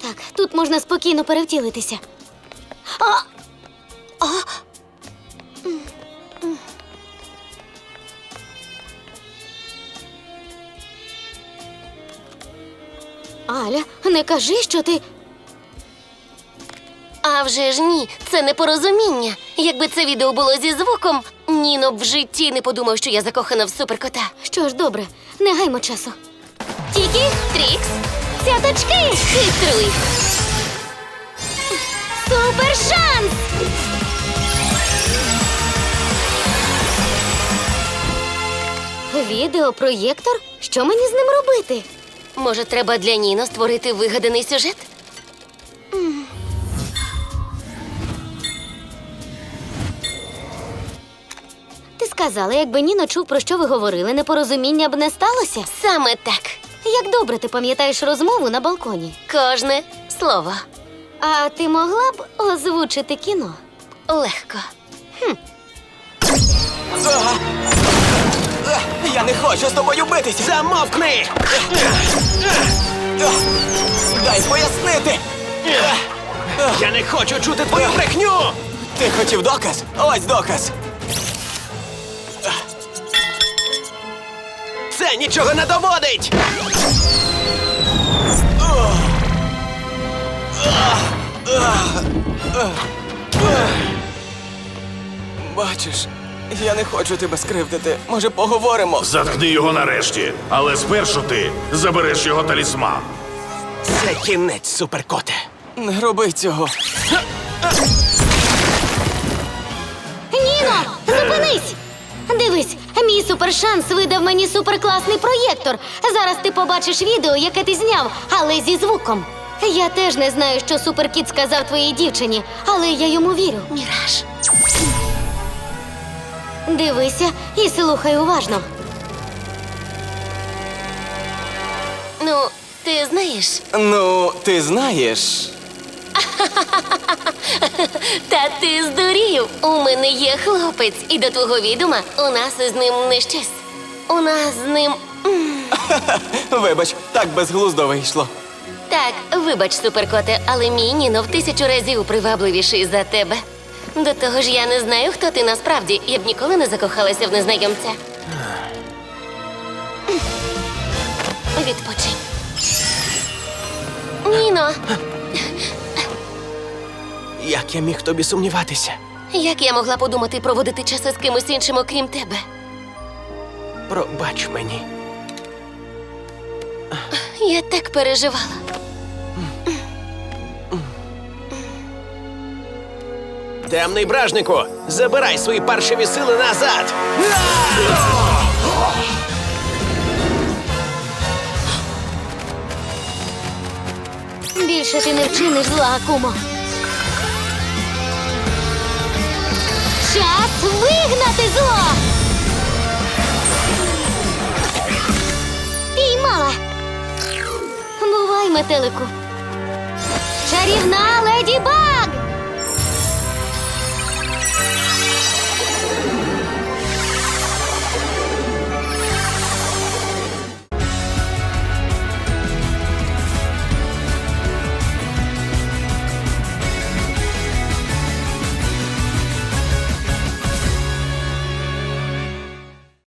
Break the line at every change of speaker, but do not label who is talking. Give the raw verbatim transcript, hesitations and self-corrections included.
Так, тут можна спокійно перевтілитися. А! А! М, м. Аля, не кажи, що ти...
А вже ж ні, це непорозуміння. Якби це відео було зі звуком, Ніно б в житті не подумав, що я закохана в суперкота.
Що ж, добре, не гаймо часу.
Тільки Трікс, цяточки, хитруй.
Супер шанс! Відеопроєктор? Що мені з ним робити?
Може, треба для Ніно створити вигаданий сюжет?
Ти сказала, якби Ніно чув, про що ви говорили, непорозуміння б не сталося?
Саме так.
Як добре ти пам'ятаєш розмову на балконі.
Кожне слово.
А ти могла б озвучити кіно?
Легко.
А! А! Я не хочу з тобою битися! Замовкни! Дай пояснити!
Я не хочу чути твою брехню!
Ти хотів доказ? Ось доказ!
Це нічого не доводить!
Бачиш, я не хочу тебе скривдити. Може, поговоримо?
Заткни його нарешті, але спершу ти забереш його талісман.
Це кінець, суперкоте.
Не роби цього.
Ніно, зупинись! Дивись, мій супершанс видав мені суперкласний проєктор. Зараз ти побачиш відео, яке ти зняв, але зі звуком. Я теж не знаю, що суперкіт сказав твоїй дівчині, але я йому вірю.
Міраж.
Дивися і слухай уважно.
Ну, ти знаєш,
Ну, ти знаєш.
та ти здурів. У мене є хлопець, і до твого відома у нас із ним не щось. У нас з ним...
Вибач, так безглуздо вийшло.
Так, вибач, суперкоте, але мій Ніно в тисячу разів привабливіший за тебе. До того ж, я не знаю, хто ти насправді. Я б ніколи не закохалася в незнайомця. Відпочинь. Ніно,
Як я міг тобі сумніватися?
як я могла подумати проводити час із кимось іншим, окрім тебе?
Пробач мені.
Я так переживала.
Темний бражнику, забирай свої паршиві сили назад!
Більше ти не вчиниш зла, Акумо. Час вигнати зло! Піймала! Бувай, метелику. Чарівна